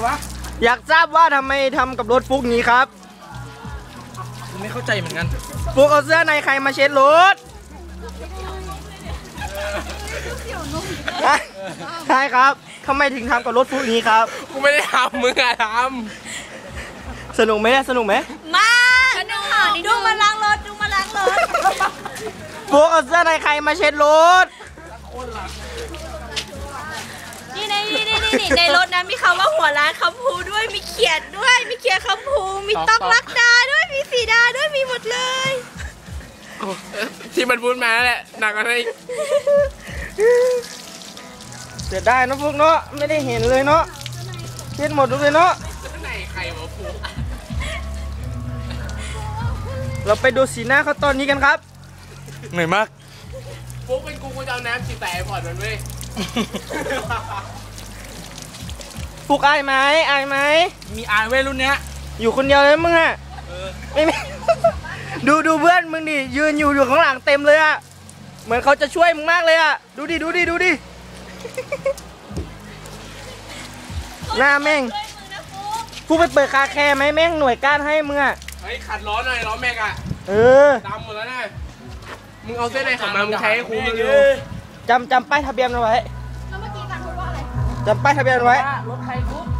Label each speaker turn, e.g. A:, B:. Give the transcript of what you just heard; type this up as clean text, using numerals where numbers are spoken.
A: วะ
B: อยากทราบว่าทำไมทำกับรถฟุกงี้ครับ
A: ไม่เข้าใจเหมือนกัน
B: ฟุกเอาเสื้อในใครมาเช็ดรถใช่ครับทำไมถึงทำกับรถฟุกงี้ครับ
A: กูไม่ได้ทำมึงอะท
B: ำสนุกไหมสนุกไหม
C: มาดูมาล้างรถ
B: ฟุกเอาเสื้อในใครมาเช็ดรถ
C: นี่ในรถนะมีคำว่าหัวร้านคำพูด้วยมีเขียนด้วยมีเขียนคำพูมีต้องรักดาด้วยมีสีดาด้วยมีหมดเลย
A: ที่มันพูดมาแหละหนักอะไร
B: เสียดายนะฟุกเนาะไม่ได้เห็นเลยเนาะเช็ดหมดเลยเนาะ
A: ไหนใครมาพูด
B: เราไปดูสีหน้าเขาตอนนี้กันครับ
A: เหนื่อยมากฟุกเป็นกูจะเอาน้ำฉีดแต่พอดมันเว้ย
B: ฟุกอายไหม
A: มีอายเว้ยรุ่นเนี้ย
B: อยู่คนเดียวเลยมึงอะไม่ดูเพื่อนมึงดิยืนอยู่ข้างหลังเต็มเลยอะเหมือนเขาจะช่วยมึงมากเลยอะดูดิหน้าแม่งฟุกไปเปิดคาแคร์ไหมแม่งหน่วยก้านให้มึงอะ
A: เฮ้ยขัดล้อหน่อยล้อแม็กอะดำหมดแล้วนะมึงเอาเส้นไหนของมามึงใช้ให้คุ้มเลย
B: จำป้ายทะเบียนเอาไว้จำป้ายทะเบียนไว้
A: รถใครฟุก